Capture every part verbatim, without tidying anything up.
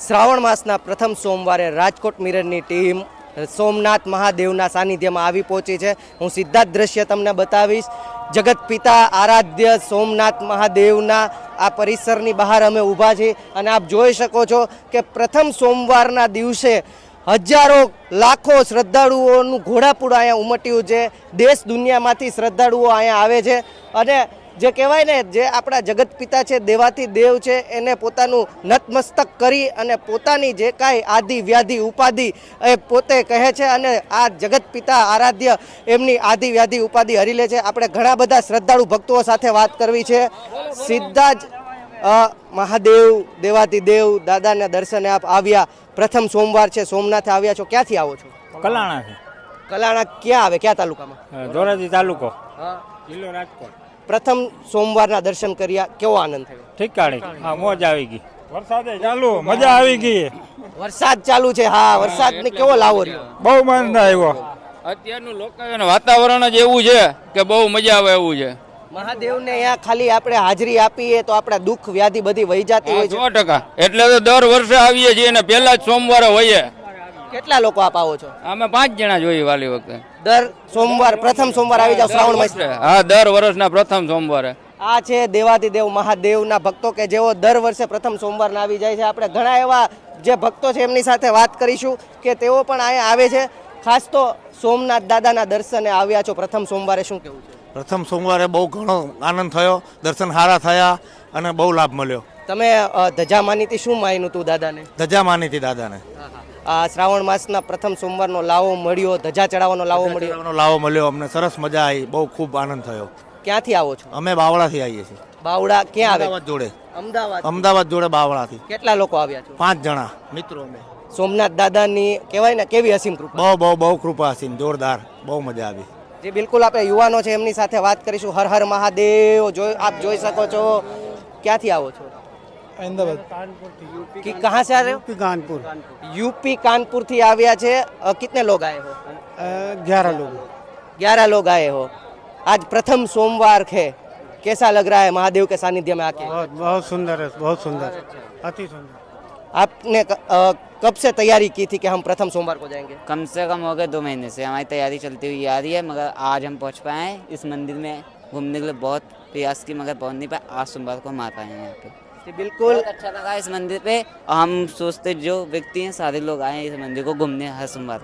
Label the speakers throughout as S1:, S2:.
S1: શ્રાવણ માસના પ્રથમ સોમવારે રાજકોટ મિરરની ટીમ સોમનાથ મહાદેવના સાનિધ્યમાં આવી પહોંચી છે। હું સીધા જ દ્રશ્ય તમને બતાવીશ। જગત પિતા આરાધ્ય સોમનાથ મહાદેવના આ પરિસરની બહાર અમે ઊભા છીએ અને આપ જોઈ શકો છો કે પ્રથમ સોમવારના દિવસે હજારો લાખો શ્રદ્ધાળુઓનું ઘોડાપૂર અહીંયા ઉમટ્યું છે। દેશ દુનિયામાંથી શ્રદ્ધાળુઓ અહીંયા આવે છે અને જે કહેવાય ને જે આપણા જગત પિતા છે, દેવાથી દેવ છે, એને પોતાનું નતમસ્તક કરી અને પોતાની જે કાંઈ આદિ વ્યાધિ ઉપાધિ એ પોતે કહે છે અને આ જગત પિતા આરાધ્ય એમની આદિ વ્યાધિ ઉપાધિ હરી લે છે। આપણે ઘણા બધા શ્રદ્ધાળુ ભક્તો સાથે વાત કરવી છે। સીધા જ મહાદેવ દેવાથી દેવ દાદાના દર્શને આપ આવ્યા। પ્રથમ સોમવાર છે, સોમનાથે આવ્યા છો। ક્યાંથી આવો છો?
S2: કલાણાથી।
S1: કલાણા ક્યાં આવે? ક્યાં તાલુકામાં?
S2: ધોરાજી તાલુકો,
S1: હા,
S2: જિલ્લો રાજકોટ।
S1: પ્રથમ સોમવારના દર્શન કર્યા, કેવો આનંદ થયો?
S2: ઠીકાણી, હા, મોજ આવી ગઈ। વરસાદે ચાલુ, મજા આવી ગઈ।
S1: વરસાદ ચાલુ છે, હા, વરસાદને કેવો લાવો રહ્યો?
S2: બહુ આનંદ આવ્યો।
S3: અત્યારનું લોકાયણ વાતાવરણ જ એવું છે કે બહુ મજા આવે એવું છે।
S1: મહાદેવને અહીંયા ખાલી આપણે હાજરી આપીએ તો આપણા દુઃખ વ્યાધિ બધી વહી જતી હોય છે।
S3: સો ટકા એટલે તો દર વર્ષે આવીએ છીએ ને પહેલા જ સોમવારે હોઈએ।
S1: કેટલા લોકો આપ આવો છો?
S3: અમે પાંચ જણા જોઈએ વાલી વખતે।
S1: દર સોમવાર પ્રથમ સોમવાર આવી જાવ શ્રાવણ માસ?
S3: હા, દર વર્ષના પ્રથમ સોમવારે।
S1: આ છે દેવાધિદેવ મહાદેવના ભક્તો કે જેઓ દર વર્ષે પ્રથમ સોમવારના આવી જાય છે। આપણે ઘણા એવા જે ભક્તો છે એમની સાથે વાત કરીશું કે તેઓ પણ અહીંયા આવે છે। ખાસ તો સોમનાથ દાદાના દર્શને આવ્યા છો પ્રથમ સોમવારે, શું કહેવું છે?
S4: પ્રથમ સોમવારે બહુ ઘણો આનંદ થયો, દર્શન સારા થયા અને બહુ લાભ મળ્યો।
S1: તમે અ, ધજા માનીતી શું માન્યું તું દાદાને?
S4: ધજા માની હતી દાદાને।
S1: આ શ્રાવણ માસના પ્રથમ સોમવારનો લાવો મળ્યો, ધજા ચડાવવાનો લાવો મળ્યો,
S4: ચડાવવાનો લાવો મળ્યો, અમને સરસ મજા આવી, બહુ ખૂબ આનંદ થયો।
S1: ક્યાંથી આવો છો?
S4: અમે બાવળાથી આવીએ છીએ।
S1: બાવડા ક્યાં આવે?
S4: અમદાવાદ જોડે,
S1: અમદાવાદ।
S4: અમદાવાદ જોડે બાવળાથી
S1: કેટલા લોકો આવ્યા છો?
S4: પાંચ જણા મિત્રો અમે।
S1: સોમનાથ દાદાની કહેવાય ને કેવી અસીમ કૃપા?
S4: બહુ બહુ બહુ કૃપા હતી, જોરદાર, બહુ મજા આવી।
S1: જે બિલકુલ આપણે યુવાનો છે એમની સાથે વાત કરીશું। હર હર મહાદેવ। જોઈ આપ જોઈ શકો છો। ક્યાંથી આવો છો?
S5: अहमदाबाद
S1: कि कहाँ से आ रहे हो?
S5: कानपुर
S1: यूपी कानपुर थी આવ્યા છે। अ, कितने लोग आए हो?
S5: ग्यारह लोग
S1: ग्यारह लोग आए हो। आज प्रथम सोमवार है, कैसा लग रहा है महादेव के सानिध्य में आके?
S5: बहुत बहुत सुंदर है, बहुत सुंदर, अति सुंदर।
S1: आपने अ, कब से तैयारी की थी कि हम प्रथम सोमवार को जाएंगे?
S6: कम से कम हो गए दो महीने से हमारी तैयारी चलती हुई आ रही है, मगर आज हम पहुंच पाए हैं। इस मंदिर में घूमने के लिए बहुत प्रयास की मगर पहुंच नहीं पाए। आज सोमवार को हम आ पाए हैं यहाँ पे।
S1: जी बिल्कुल
S6: बहुत अच्छा लगा इस मंदिर पे। और हम सोचते जो व्यक्ति हैं सारे लोग आए हैं इस मंदिर को घूमने हर सोमवार।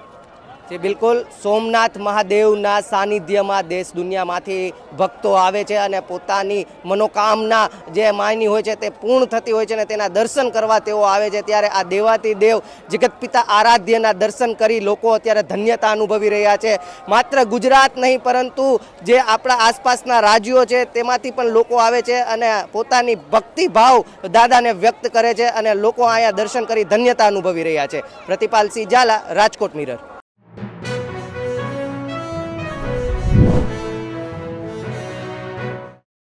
S1: जी बिल्कुल सोमनाथ महादेवના સાનિધ્યમાં દેશ દુનિયામાંથી ભક્તો આવે છે અને પોતાની મનોકામના જે માની હોય છે તે પૂર્ણ થતી હોય છે અને તેના દર્શન કરવા તેઓ આવે છે। ત્યારે આ દેવાતી દેવ જગત પિતા આરાધ્યના દર્શન કરી લોકો અત્યારે ધન્યતા અનુભવી રહ્યા છે। માત્ર ગુજરાત નહીં પરંતુ જે આપણા આસપાસના રાજ્યો છે તેમાંથી પણ લોકો આવે છે અને પોતાની ભક્તિભાવ દાદાને વ્યક્ત કરે છે અને લોકો અહીંયા દર્શન કરી ધન્યતા અનુભવી રહ્યા છે। પ્રતિપાલ સિંહ ઝાલા, રાજકોટ મિરર।